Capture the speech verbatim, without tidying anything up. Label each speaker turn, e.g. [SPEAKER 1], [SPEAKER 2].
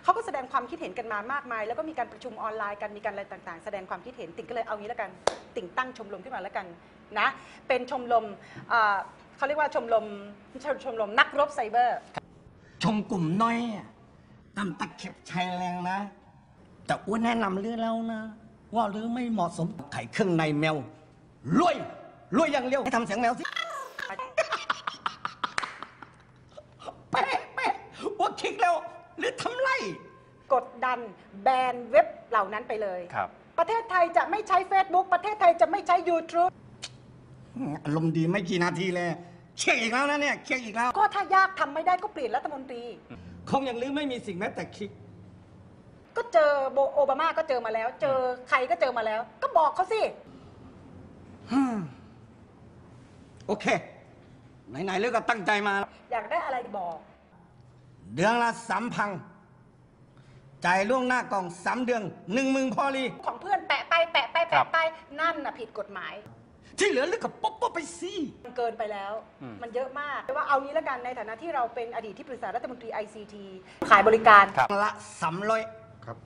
[SPEAKER 1] เขาก็แสดงความคิดเห็นกันมามากมายแล้วก็มีการประชุมออนไลน์กันมีการอะไรต่างๆ แสดงความคิดเห็นติ่งก็เลยเอางี้แล้วกันติ่งตั้งชมรมขึ้นมาแล้วกันนะเป็นชมรมเขาเรียกว่าชมรมชมรมนักรบไซเบอร์
[SPEAKER 2] ชมกลุ่มน้อยตามตะเข็บชายแรงนะแต่อ้วนแนะนำเรื่องแล้วนะว่าหรือไม่เหมาะสมไข่เครื่องในแมวรวยรวยอย่างเร็วให้ทำเสียงแมวสิแป๊ะแป๊ะว่าคลิกแล้วหรือทำไร
[SPEAKER 1] กดดันแบนเว็บเหล่านั้นไปเลย
[SPEAKER 3] ครับ
[SPEAKER 1] ประเทศไทยจะไม่ใช้ Facebook ประเทศไทยจะไม่ใช้ YouTube
[SPEAKER 2] อารมณ์ดีไม่กี่นาทีเลยเช็คอีกแล้วนะเนี่ยเช็คอีกแล้ว
[SPEAKER 1] ก็ถ้ายากทำไม่ได้ก็เปลี่ยนรัฐมนตรี
[SPEAKER 2] คงอย่างลือไม่มีสิ่งแม้แต่คลิก
[SPEAKER 1] ก็เจอโอบามาก็เจอมาแล้ว เจอใครก็เจอมาแล้วก็บอกเขาสิ
[SPEAKER 2] โอเคไหนๆเลือกก็ตั้งใจมา
[SPEAKER 1] อยากได้อะไรบอก
[SPEAKER 2] เดือนละสามพันจ่ายล่วงหน้ากล่องสามเดือนหนึ่งหมื่นพอลี
[SPEAKER 1] ของเพื่อนแปะไปแปะไปแปะไปนั่นน่ะผิดกฎหมาย
[SPEAKER 2] ที่เหลือเลือกกับป๊อปป๊อปไปสิ
[SPEAKER 1] มันเกินไปแล้วมันเยอะมากแต่ว่าเอางี้แล้วกันในฐานะที่เราเป็นอดีตที่ปรึกษารัฐมนตรี ไอ ซี ที ขายบริการ
[SPEAKER 2] ละสามร้อย